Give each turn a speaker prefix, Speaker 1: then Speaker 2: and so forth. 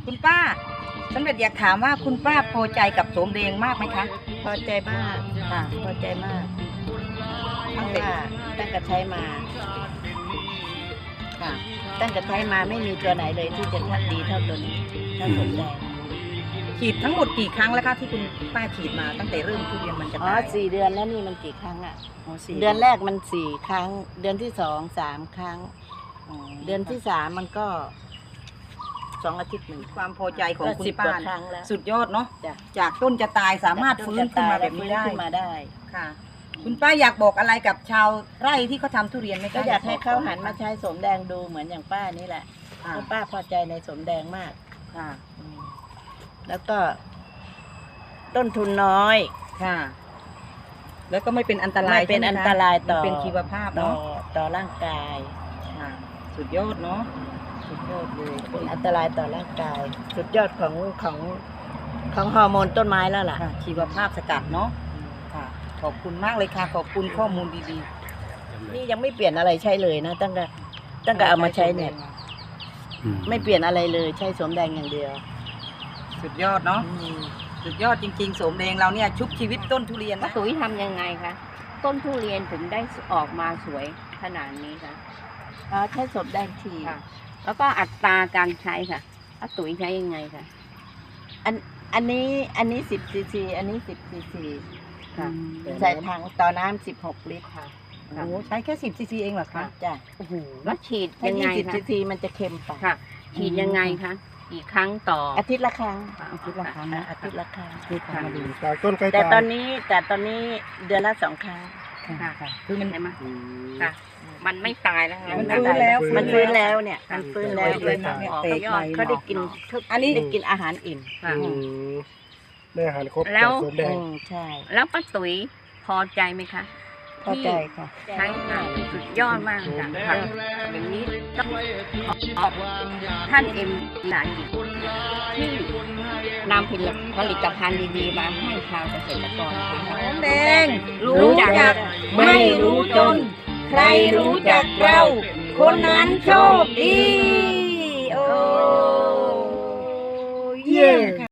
Speaker 1: คุณป้าสำเร็จอยากถามว่าคุณป้าพอใจกับโสมแดงมากไหมคะ
Speaker 2: พอใจมากค่ะพอใจมากเพ
Speaker 1: ตั้ง
Speaker 2: ราะ
Speaker 1: แต่
Speaker 2: ว่าตั้งแต่ใช้มา
Speaker 1: ค่ะ
Speaker 2: ตั้งแต่ใช้มาไม่มีตัวไหนเลยที่จะทัดดีเท่าตัวนี้เท่าสมแดง
Speaker 1: ฉีดทั้งหมดกี่ครั้งแล้วคะที่คุณป้าฉีดมาตั้งแต่เริ่มทุเรียนมันจะ
Speaker 2: อ๋อ
Speaker 1: ตาย
Speaker 2: 4 เดือนแล้วนี่มันกี่ครั้งอ่ะ
Speaker 1: อ๋อสี่
Speaker 2: เดือนแรกมัน4 ครั้ง เดือนที่2 3 ครั้ง
Speaker 1: อ๋อ
Speaker 2: เดือนที่3มันก็2 อาทิตย์หนึ่ง
Speaker 1: ความพอใจของ
Speaker 2: ก็
Speaker 1: คุณ
Speaker 2: 10 ก
Speaker 1: ป้า
Speaker 2: ว่าครั้งแล้ว
Speaker 1: สุดยอดเนาะ
Speaker 2: จ้ะ
Speaker 1: จากต้นจะตายสามารถฟื้นขึ้นมาแบบนี้ได้
Speaker 2: ฟื้ขึ้นมาได้
Speaker 1: ค่ะ คุณป้าอยากบอกอะไรกับชาวไร่ที่เขาทำทุเรียนไหมคะ
Speaker 2: ก็อยากให้เขาหันมาใช้สมแดงดูเหมือนอย่างป้านี่แหละ
Speaker 1: ค่ะ
Speaker 2: เพราะป้าพอใจในสมแดงมาก
Speaker 1: ค่ะ
Speaker 2: แล้วก็ต้นทุนน้อย
Speaker 1: ค่ะ แล้วก็ไม่เป็นอันตราย
Speaker 2: ไม่เป็น
Speaker 1: ใช่ห
Speaker 2: อัน
Speaker 1: คะ
Speaker 2: ตรายต่อ
Speaker 1: มันเป็นชีวภาพ
Speaker 2: ต่อ
Speaker 1: เนาะ
Speaker 2: ต่อร่างกาย
Speaker 1: ค่ะ สุดยอดเนาะสุดยอดเลย
Speaker 2: เป็นอันตรายต่อร่างกาย สุดยอดของฮอร์โมนต้นไม้แล้วล่ะ
Speaker 1: ค่ะ ชีวภาพสกัดเนาะค่ะ ขอบคุณมากเลยค่ะ ขอบคุณข้อมูลดี
Speaker 2: นี่ยังไม่เปลี่ยนอะไรใช้เลยนะตั้งแต่
Speaker 1: ๆ
Speaker 2: เอามาใช้เนี่ยไม่เปลี่ยนอะไรเลยใช้สมแดงอย่างเดียว
Speaker 1: สุดยอดเนาะสุดยอดจริงๆโสมแดงเราเนี่ยชุบชีวิตต้นทุเรียน
Speaker 3: ป้า
Speaker 1: นะ
Speaker 3: ตุ๋ยทำยังไงคะต้นทุเรียนถึงได้ออกมาสวยขนาดนี้คะ
Speaker 2: ใช้สมแดงที
Speaker 3: ค่ะ แล้วก็อัตราการใช้ค่ะป้าตุ๋ยใช้ยังไงคะ
Speaker 2: อันนี้10 ซีซี อันนี้10 ซีซี
Speaker 3: ค่ะ
Speaker 2: ใส่ถังต่อน้ำ16 ลิตรค่ะ
Speaker 1: โอ้โหใช้แค่10 ซีซีเองเหรอคะ
Speaker 2: จ้ะ
Speaker 1: โอ้โห
Speaker 3: แล้วฉีด
Speaker 2: ถ้า
Speaker 3: ยังไง
Speaker 2: 20
Speaker 3: คะ
Speaker 2: ซีซีมันจะเค็มไป
Speaker 3: ค่ะ ฉีดยังไงคะกี่ครั้งต่อ
Speaker 2: อาทิตย์ละครั้ง
Speaker 1: อาทิตย์ละครั้งนะ
Speaker 2: อาทิตย์ละครั้ง
Speaker 1: คือทำมาดี
Speaker 4: จากต้นใกล้
Speaker 2: แต่ตอนนี้เดือนละ2 ครั้ง
Speaker 1: ค่ะคือมัน
Speaker 3: ใช่ไหมค่ะ มันไม่ตายแล้วค่ะ
Speaker 1: มันฟื้นแล้ว
Speaker 2: มันฟื้นแล้วเนี่ยมันฟื้นแล้ว
Speaker 1: เตะใบ
Speaker 3: ออก
Speaker 1: เตะ
Speaker 3: ยอ
Speaker 1: ใบ
Speaker 3: ด
Speaker 2: เขาได้กิน
Speaker 1: อันนี้
Speaker 2: ได้กินอาหารอิ่ม
Speaker 3: ค่ะ
Speaker 4: ได้อาหารครบ
Speaker 3: แล้ว
Speaker 4: จากสวนแดง
Speaker 2: ใช่
Speaker 3: แล้วป้าตุ๋ยพอใจไหมคะ
Speaker 2: พอใจค่ะ
Speaker 3: ใช้งานสุดยอดมากค่ะค่ะอย่างนี้ต้องขอบท่านเอ็มหลายกิจที่นำผลิตภัณฑ์ดีๆมาให้ชาวเกษตรกรค่ะ
Speaker 1: โสมแดงรู้จักไม่รู้จน ใครรู้จักเรา คนนั้นโชคดี โอ้เย่